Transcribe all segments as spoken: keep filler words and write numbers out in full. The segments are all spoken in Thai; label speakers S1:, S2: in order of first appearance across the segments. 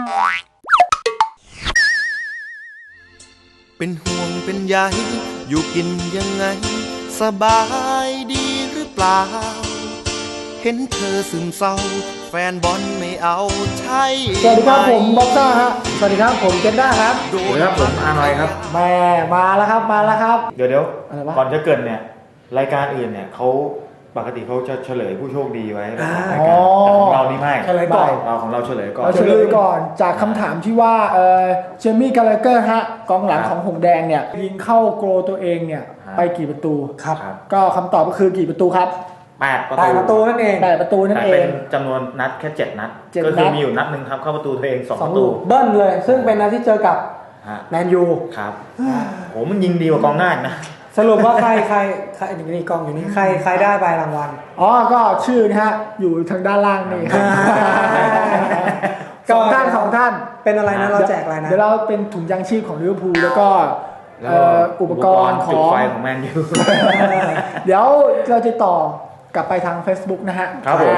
S1: เป็นห่วงเป็นใยอยู่กินยังไงสบายดีหรือเปล่าเห็นเธอซึมเศร้าแฟนบอลไม่เอาใช่
S2: สวัสดีครับผมบ็อกซ่าฮะสวัสดีครับผมเจนด้าครับ
S3: สวัสดีครับผมอาร์หน่อยครับ
S2: แม่มาแล้วครับมาแล้วครับ
S3: เดี๋ยวเดี๋ยวก่อนจะเกิดเนี่ยรายการอื่นเนี่ยเขาปกติเขาจะเฉลยผู้โชคดีไว้รายการแต่ของเรานี่ไม่
S2: เฉลยก่อน
S3: เราของเราเฉลยก่อน
S2: เราเฉลยก่อนจากคำถามที่ว่าเออเจมี่กาลาเกอร์ฮะกองหลังของหงแดงเนี่ยยิงเข้าโกลตัวเองเนี่ยไปกี่ประตูครับก็คำตอบก็คือกี่ประตูครับ
S3: แปดประตู
S2: นั่นเองแปดประตูนั่นเอง
S3: เป็นจำนวนนัดแค่เจ็ดนัดก็คือมีอยู่นัดหนึ่งครับเข้าประตูตัวเองสองประตู
S2: เบิ้ลเลยซึ่งเป็นนัดที่เจอกับแมนยู
S3: ครับโหมันยิงดีกว่ากองหน้านะ
S2: สรุปว่าใครใครใครอย่างนี้กองอยู่นี่ใครใครได้ใบรางวัลอ๋อก็ชื่อนะฮะอยู่ทางด้านล่างนี่สองท่านสองท่านเป็นอะไรนะเราแจกอะไรนะเดี๋ยวเราเป็นถุงยางชีพของลิเวอร์พูลแล้วก็อุปกรณ์ของ
S3: ไฟของแมนยู
S2: เดี๋ยวเราจะต่อกลับไปทาง Facebook นะฮะ
S3: ครับผม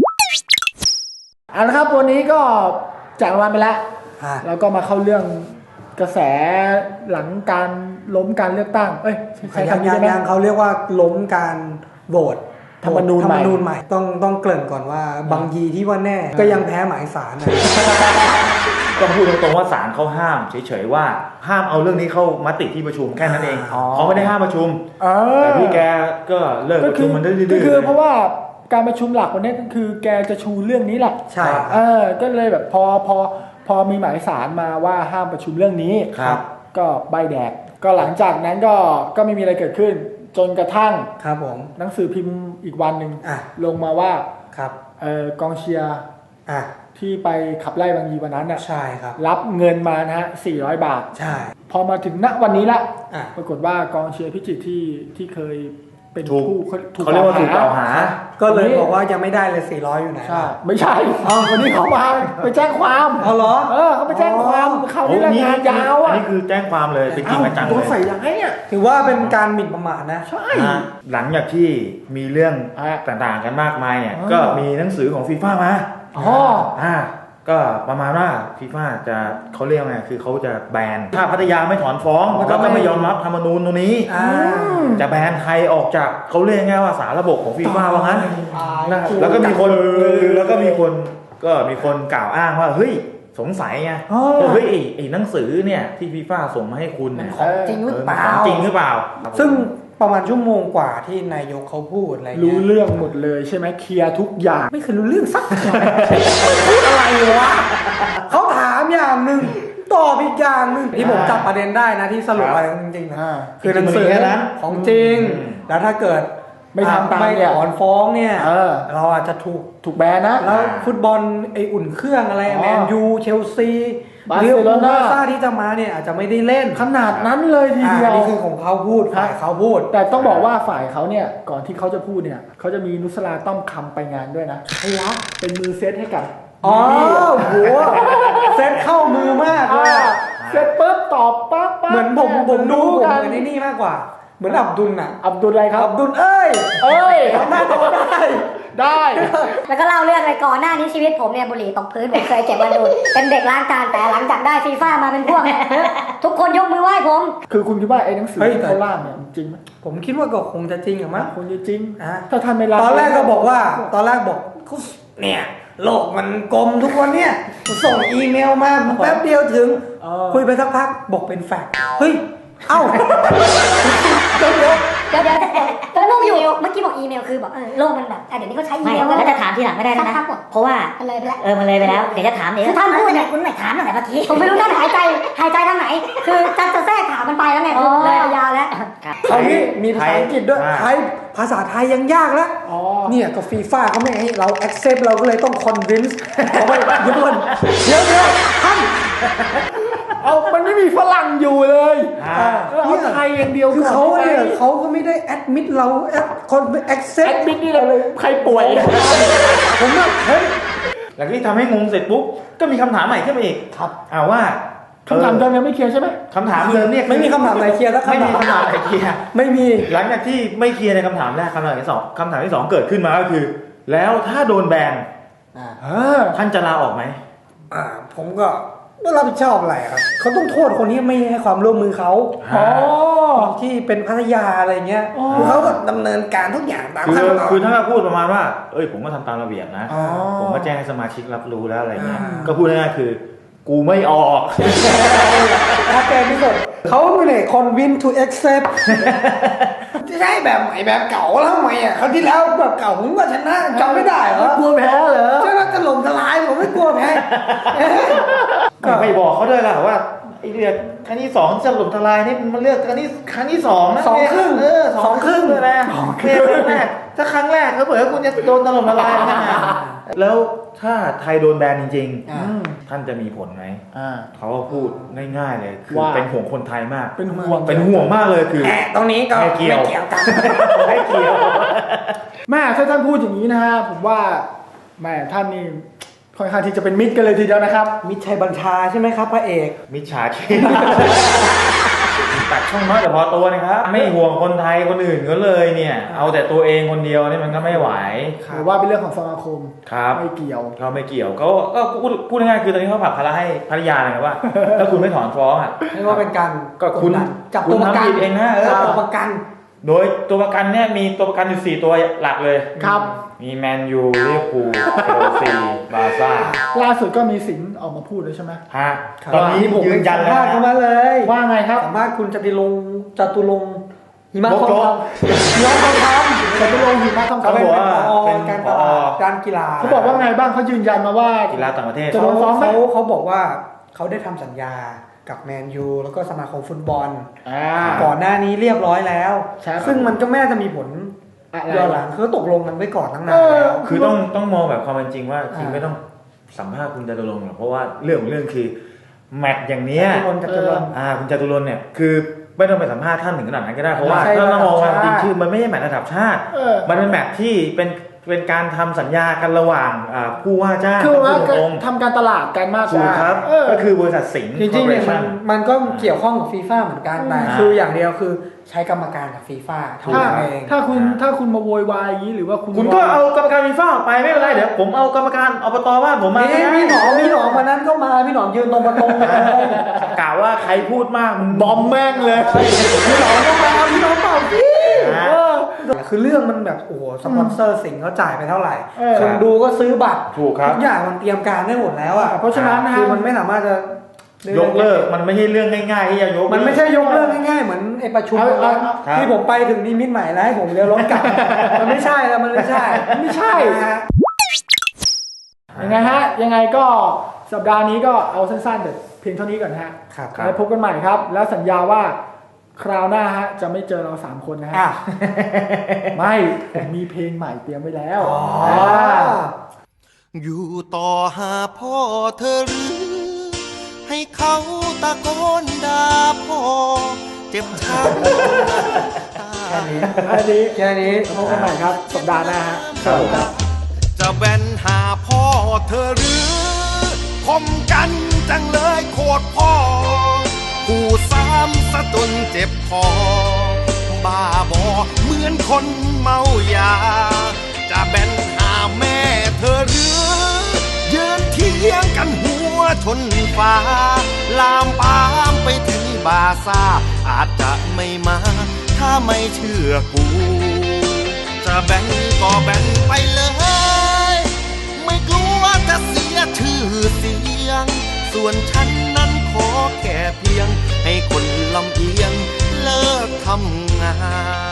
S2: เอาละครับวันนี้ก็แจกรางวัลไปแล้วแล้วก็มาเข้าเรื่องกระแสหลังการล้มการเลือกตั้งเอ้ยใช้คำนี้ได้ไหมยังเขาเรียกว่าล้มการโหวตธรรมนูญใหม่ต้องต้องเกริ่นก่อนว่าบางยีที่ว่าแน่ก็ยังแพ้หมายศาลนะ
S3: ก็พูดตรงๆว่าศาลเขาห้ามเฉยๆว่าห้ามเอาเรื่องนี้เข้ามติที่ประชุมแค่นั้นเองเขาไม่ได้ห้ามประชุมแต่พี่แกก็เลิกประชุมมันได้ดื้อๆก็
S2: คือเพราะว่าการประชุมหลักวันนี้ก็คือแกจะชูเรื่องนี้แหละ
S3: ใช่
S2: เออก็เลยแบบพอพอพอมีหมายศาลมาว่าห้ามประชุมเรื่องนี้
S3: ครับ
S2: ก็ใบแดกก็หลังจากนั้นก็ก็ไม่มีอะไรเกิดขึ้นจนกระทั่งครับผมหนังสือพิมพ์อีกวันหนึ่งลงมาว่าครับเอ่อกองเชียร์ที่ไปขับไล่บางยีวันนั้นน่ะใช่ครับรับเงินมานะฮะสี่ร้อยบาทใช่พอมาถึงณวันนี้ละปรากฏว่ากองเชียร์พิจิตรที่ที่เคยเป็นผู้
S3: เขาเรียกว่าถูกกล่าวหา
S2: ก็เลยบอกว่ายังไม่ได้เลยสี่ร้อยอยู่ไหนใช่ไม่ใช่อ๋อวันนี้เขามาไปแจ้งความอ๋อเหรอเออเขาไปแจ้งความเขาที่งานยาวอ่ะ
S3: อันนี้คือแจ้งความเลยเป็นจริงจังเลย
S2: โดนใส่ร้ายอ่ะถือว่าเป็นการหมิ่นประมาทนะใช่
S3: หลังจากที่มีเรื่องต่างๆกันมากมายเนี่ยก็มีหนังสือของฟีฟ่ามาอ๋ออ่าก็ประมาณว่าฟีฟ่าจะเขาเรียกไงคือเขาจะแบนถ้าพัทยาไม่ถอนฟ้องแล้วก็ไม่ยอมรับธรรมนูญตรงนี้จะแบนไทยออกจากเขาเรียกง่ายว่าสารระบบของฟีฟ่าว่างั้นแล้วก็มีคนแล้วก็มีคนก็มีคนกล่าวอ้างว่าเฮ้ยสงสัยไงเฮ้ยไอ้หนังสือเนี่ยที่ฟีฟ่าส่งมาให้คุณเนี่ย
S2: ของจริงหรือเปล่า
S3: จริงหรือเปล่า
S2: ซึ่งประมาณชั่วโมงกว่าที่นายกเขาพูดอะไรรู้เรื่องหมดเลยใช่ไหมเคลียร์ทุกอย่างไม่เคยรู้เรื่องสักอย่างพูดอะไรวะเขาถามอย่างหนึ่งตอบอีกอย่างหนึ่งที่ผมจับประเด็นได้นะที่สรุปอะไรจริงๆนะคือหนังสือนั้นของจริงแล้วถ้าเกิดไม่ทำตามเนี่ยถอนฟ้องเนี่ยเราอาจจะถูกถูกแบนนะแล้วฟุตบอลไออุ่นเครื่องอะไรแมนยูเชลซีบาร์เซโลนาที่จะมาเนี่ยอาจจะไม่ได้เล่นขนาดนั้นเลยทีเดียวนี่คือของเขาพูดฝ่ายเขาพูดแต่ต้องบอกว่าฝ่ายเขาเนี่ยก่อนที่เขาจะพูดเนี่ยเขาจะมีนุสราต้อมคำไปงานด้วยนะใช่ละเป็นมือเซตให้กับอ๋อหัวเซตเข้ามือมากเลยเซตปุ๊บตอบปั๊บเหมือนผมผมดูผมเหมือนนี่มากกว่าเหมือนอับดุลน่ะอับดุลอะไรครับอับดุลเอ้ยเอ้ยทำได้ได้ได้
S4: แล้วก็เล่าเรื่องไปก่อนหน้านี้ชีวิตผมเนี่ยบุหรี่ตกพื้นผมเคยเจ็บมาดูเป็นเด็กล้างจานแต่หลังจากได้ฟีฟ่ามาเป็นพวกเนี่ยทุกคนยกมือไหว้ผม
S2: คือคุณคิดว่าไอ้หนังสือที่เขาล่าเนี่ยจริงไหมผมคิดว่าก็คงจะจริงอะมั้งคงจะจริงถ้าท่านไม่รับตอนแรกก็บอกว่าตอนแรกบอกเนี่ยโลกมันกลมทุกวันเนี่ยส่งอีเมลมาแป๊บเดียวถึงคุยไปสักพักบอกเป็นแฟกต์เฮ้ยเอ้า
S4: เดี๋ยวเดี๋ยวเดี๋ยวเดี๋ยวก็งงอยู่เมื่อกี้บอกอีเมลคือบอกเออโลกมันแบบเดี๋ยวนี้เขาใช้อีเมล
S5: แล้วจะถามทีหลังไม่ได้นะเพราะว่า
S4: เลยไปแล้ว
S5: เออมันเลยไปแล้วเดี๋ยวจะถามเดี๋ยว
S4: คือท่านพูดเนี่ยคุณไม่ถามตั้งแต่เมื่อกี้ผมไม่รู้ท่านหายใจหายใจทางไหนคือจะจะแทรกถามมันไปแล้วไงเลยยาวแล้ว
S2: คราวนี้มีภาษาอังกฤษด้วยไทยภาษาไทยยังยากแล้วเนี่ยก็ฟีฟ่าเขาไม่ให้เรา accept เราก็เลยต้อง convince เขาไปญี่ปุ่นเดี๋ยวเดี๋ยวท่านเอามันไม่มีฝรั่งอยู่เลยเอาไทยอย่างเดียวคือเขาเนี่ยเขาก็ไม่ได้แอดมิดเราแอดคนแอคเซปต์แอดมิดนี่เราใครป่วยผมว่าเฮ้ย
S3: หลังที่ทำให้งงเสร็จปุ๊บก็มีคำถามใหม่ขึ้นมาอีกครับอ่าว่า
S2: คำถามเดิมยังไม่เคลียร์ใช่ไหม
S3: คำถามเดิมเนี่ย
S2: ไม่มีคำถามไหนเคลียร์แล้ว
S3: ไม่มีคำถามไหนเคลียร์
S2: ไม่มี
S3: หลังจากที่ไม่เคลียร์ในคำถามแรกคำถามที่สองคำถามที่สองเกิดขึ้นมาก็คือแล้วถ้าโดนแบนท่านจะลาออกไหม
S2: อ่าผมก็ไม่รับผิดชอบอะไรครับเขาต้องโทษคนที่ไม่ให้ความร่วมมือเขา
S3: อ๋อ
S2: ที่เป็นพัทยาอะไรเงี้ยคือเขาก็ดำเนินการทุกอย่างตาม
S3: คือ
S2: ขั้นตอน
S3: คือถ้าพูดประมาณว่าเอ้ยผมก็ทำตามระเบียบนะ
S2: อ๋อ
S3: ผมก็แจ้งให้สมาชิกรับรู้แล้วอะไรเงี้ย
S2: อ่า
S3: ก็พูดง่ายๆคือ กูไม่ออก
S2: ชัดเจนที่สุดเขาไม่ได้คน win to accept จะใช่แบบใหม่แบบเก่าแล้วทำไมอ่ะคราวที่แล้วแบบเก่าผมก็ชนะจำไม่ได้เหรอก
S5: ลัวแพ้เหรอ
S2: ชนะถล่มทลายผมไม่กลัวแพ้
S3: ก็ไม่บอกเขาด้วยล่ะว่าไอ้เลือกครั้งที่สองจะหล่มทลายนี่มันเลือกครั้งที่ครั้งที่สองนะ
S2: สองครึ่ง
S3: เออสองครึ่งเลยนะ
S2: สองค
S3: เค
S2: รึ่ง
S3: ครั้งแรกถ้าครั้งแรกเขาเผื่อคุณจะโดนถล่มทลายนะแล้วถ้าไทยโดนแบนจริง
S2: อ่า
S3: ๆ ท่านจะมีผลไหม
S5: อ่า
S3: เขาก็พูดง่ายๆเลยคือ
S5: ว่า
S3: เป็นห่วงคนไทยมาก
S2: เป็นห่วง
S3: เป็นห่วงมากเลยคือ
S2: แหมตรงนี้ก็
S3: ไม่เกี่ยว
S2: เกี่ยวกัน
S3: ไม่เกี่ยว
S6: แม่ถ้าท่านพูดอย่างนี้นะฮะผมว่าแม่ท่านนี่ค่อนข้างที่จะเป็นมิตรกันเลยทีเดียวนะครับ
S2: มิตรชัยบัญชาใช่ไหมครับพระเอก
S3: มิจฉาชีพตัดช่องน้อยแต่พอตัวนะครับ ไม่ห่วงคนไทยคนอื่นเขาเลยเนี่ย เอาแต่ตัวเองคนเดียวนี่มันก็ไม่ไหว
S6: หรือว่าเป็นเรื่องของสมาคม
S3: ครับ
S6: ไม่เกี่ยว
S3: เขาไม่เกี่ยวก็ก็พูดพูดง่ายๆคือตอนนี้เขาผลักภาระให้ภรรยาเลยนะว่า ถ้าคุณไม่ถอนฟ้องอ่ะ
S2: เรียกว่าเป็นการ
S3: ก็คุณ
S2: ดดันจับ
S3: คุ
S2: ตัว
S3: ณ
S2: ประกัน
S3: ทำผิดเองนะเออ
S2: จับตัวประกัน
S3: โดยตัวประกันเนี่ยมีตัวประกันอยู่สี่ตัวหลักเลย
S6: ครับ
S3: มีแมนยูลิเวอร์พูลเชลซีบาร์ซ่า
S6: ล่าสุดก็มีสิงห์ออกมาพูดเลยใช่ไหม
S3: ฮะ
S2: ครับ
S3: ตอนนี้
S2: ผม
S3: ยืนยัน
S2: สัม
S3: แล้ว
S2: ภาษณ์เข้ามา
S3: นะ
S2: เลย
S6: ว่าไงครับ
S2: สัมภาษณ์คุณจตุรงค์จตุรงค์หิมะ
S3: โจ๊ก
S2: ทอง
S3: โจ๊ก
S2: คำหิมะทองคำ
S6: แต่ไปลงหิมะทอง
S2: เขา
S6: คำ
S2: เป็น
S3: บอกว่า
S2: ผอ
S3: เป็น
S2: การ
S3: ผ
S2: ต
S3: อ
S2: ลาดการกีฬา
S6: เขาบอกว่าไงบ้างเขายืนยันมาว่า
S3: กีฬาต่างประเทศ
S6: จะโดนฟ้องไหม
S2: เขาเขาบอกว่าเขาได้ทำสัญญากับแมนยูแล้วก็สมาคมฟุตบอล
S6: อ่า
S2: ก่อนหน้านี้เรียบร้อยแล้ว
S6: ใช่ครับ
S2: ซึ่งมันก็ไม่น่าจะมีผล
S6: อะไร
S2: ย้อนหลังคือตกลงกันไว้ก่อนตั้งนา
S6: เอน อ
S2: แล้ว
S3: คือต้องต้องมองแบบความเป็นจริงว่าจริง
S2: อ่า
S3: ไม่ต้องสัมภาษณ์คุณจตุรงค์หรอกเพราะว่าเรื่องของเรื่องคือแมตช์อย่างเนี้ย
S2: จตุรงค์จตุรงค์
S3: อ่าคุณจตุรงค์เนี่ยคือไม่ต้องไปสัมภาษณ์ท่านถึงขนาดนั้นก็ได้เพราะว่า
S2: ไม่ใช่
S3: ถ้าเรามองความจริง
S2: ระดับชาติ
S3: คือมันไม่ใช่แมตช์ระดับชาติ
S6: เออ
S3: มันเป็นแมตช์ที่เป็นเป็นการทำสัญญากันระหว่างอ่าผู้ว่าจ้าง
S6: คือว่า
S3: กับผู้ตรง
S6: ทำการตลาดกันมากก
S3: ถูก
S6: ว่า
S3: ครับ
S6: เออ
S3: ก็คือบริษัทสิงห์
S2: จริงๆเนี่ยมัน
S3: Corporation
S2: มันก็เกี่ยวข้องกับฟีฟ่าเหมือนกันแต่
S3: อ่า
S2: คืออย่างเดียวคือใช้กรรมการกับฟีฟ่าเท่า
S6: ถ้า
S2: นั้นเอง
S6: ถ้าคุณถ้าคุณมาโวยวายอย่างนี้หรือว่าคุณ
S3: คุณก็เอากรรมการฟีฟ่าออกไปไม่เป็นไรเดี๋ยวผมเอากรรมการอบตบ้านผมมา
S2: นี่พี่หนอมพี่หนอมวันนั้นก็มาพี่หนอมยืนตรงประตูเลย
S3: กล่าวว่าใครพูดมากมึง
S6: บอมแม่งเลย
S2: พี่หนอมก็มาพี่หนอมเปล่าพี่
S3: นะ
S2: เออคือเรื่องมันแบบโอ้โหสปอนเซอร์สิงห์เขาจ่ายไปเท่าไหร่
S6: เออ
S2: คนดูก็ซื้อบัตร
S3: ถูกครับ
S2: ทุกอย่างมันเตรียมการได้หมดแล้วอ่ะ
S6: เพราะฉะนั้นนะ
S2: คื
S6: ฮะ
S2: อมันไม่สามารถจะ
S3: ยกเลิกมันไม่ใช่เรื่องง่ายๆที่จะยกเลิก
S2: มันไม่ใช่ยกเลิกง่ายๆเหมือนไอ้ประชุม
S6: เอาเอาเอา
S3: ครับ
S2: ที่ผมไปถึงนิมิตใหม่แล้วให้ผมเลี้ยวรถกลับ มันไม่ใช่แล้วมันไม่ใช่
S6: ไม่ใช่
S2: นะฮะ
S6: ยังไงฮะยังไงก็สัปดาห์นี้ก็เอาสั้นๆแต่เพียงเท่านี้ก่อนฮะ
S2: ครับ
S6: แล้วพบกันใหม่ครับ แล้วสัญญาว่าคราวหน้าฮะจะไม่เจอเราสามคนนะฮะ
S2: อ่ะ
S6: ไม่ผมมีเพลงใหม่เตรียมไว้แล้ว
S2: อ๋อ
S1: อยู่ต่อหาพ่อเธอหรือ ให้เขาตะโกนด่าพ่อ เจ็บช้ำตา
S2: แค่นี้
S6: อันนี้
S2: แค่นี้
S6: พบกันใหม่ครับสัปดาห์หน้าฮะสวัสดีครับ
S1: จะแบนหาพ่อเธอหรือคมกันจังเลยโคตรพ่อผู้ซ้ำซะจนเจ็บคอบ้าบอเหมือนคนเมายา จะแบนหาแม่เธอหรือยืนเทียงกันหัวชนฟ้า ลามปามไปถึงบาซ่า อาจจะไม่มา ถ้าไม่เชื่อกู จะแบ่งก็แบ่งไปเลย ไม่กลัวจะเสียชื่อเสียง ส่วนฉันนั้นขอแค่เพียง ให้คนลำเอียงเลิกทำงาน